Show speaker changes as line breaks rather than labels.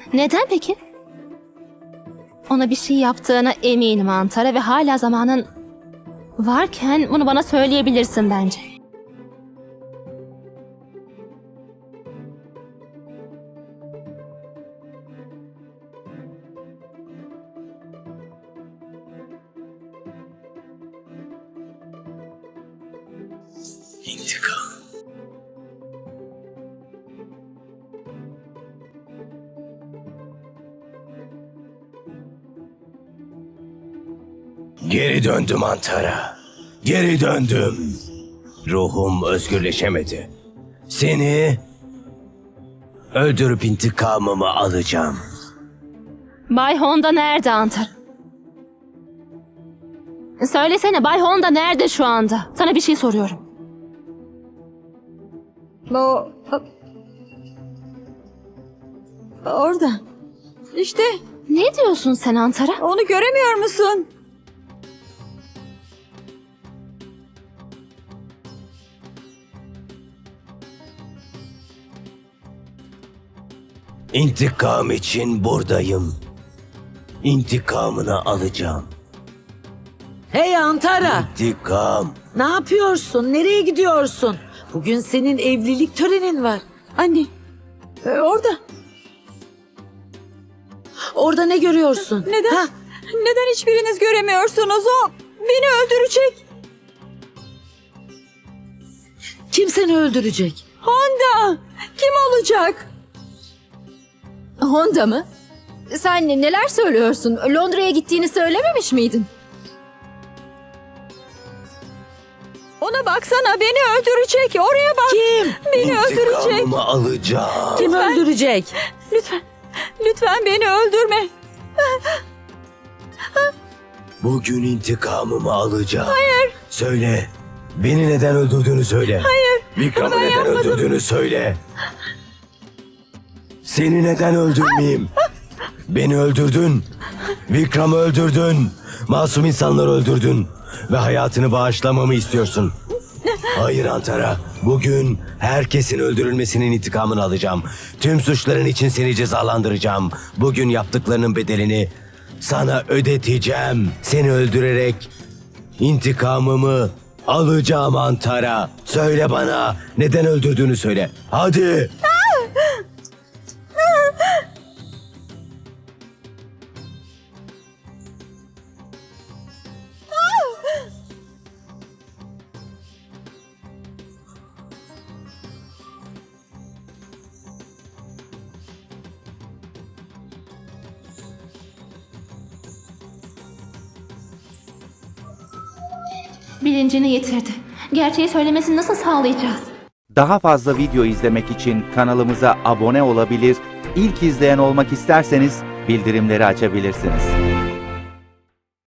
Neden peki? Ona bir şey yaptığına eminim Antara ve hala zamanın varken bunu bana söyleyebilirsin bence.
İntikam. Geri döndüm Antara. Geri döndüm. Ruhum özgürleşemedi. Seni öldürüp intikamımı alacağım.
Bay Honda nerede Antara? Söylesene Bay Honda nerede şu anda? Sana bir şey soruyorum.
Orada. İşte
Ne diyorsun sen Antara?
onu göremiyor musun?
İntikam için buradayım. İntikamını alacağım.
Hey Antara,
İntikam.
ne yapıyorsun? Nereye gidiyorsun? Bugün senin evlilik törenin var.
Anne. Orada.
Orada ne görüyorsun?
Neden?
Ha,
Neden hiçbiriniz göremiyorsunuz? O beni öldürecek.
kim seni öldürecek?
Honda. Kim olacak?
Honda mı? Sen neler söylüyorsun? Londra'ya gittiğini söylememiş miydin?
Ona baksana, beni öldürecek. Oraya bak.
Kim?
Beni öldürecek.
İntikamımı alacağım.
Kim öldürecek?
Lütfen. Lütfen beni öldürme.
Bugün intikamımı alacağım. Hayır. Söyle. Beni neden öldürdüğünü söyle. Hayır. Vikram'ı neden öldürdüğünü söyle. Seni neden öldürmeyeyim? Beni öldürdün. Vikram'ı öldürdün. Masum insanları öldürdün. Ve hayatını bağışlamamı istiyorsun. Hayır Antara. Bugün herkesin öldürülmesinin intikamını alacağım. Tüm suçların için seni cezalandıracağım. Bugün yaptıklarının bedelini sana ödeteceğim. Seni öldürerek intikamımı alacağım Antara. Söyle bana, neden öldürdüğünü söyle. Hadi.
Bilincini yitirdi. Gerçeği söylemesini nasıl sağlayacağız?
Daha fazla video izlemek için kanalımıza abone olabilir, ilk izleyen olmak isterseniz bildirimleri açabilirsiniz.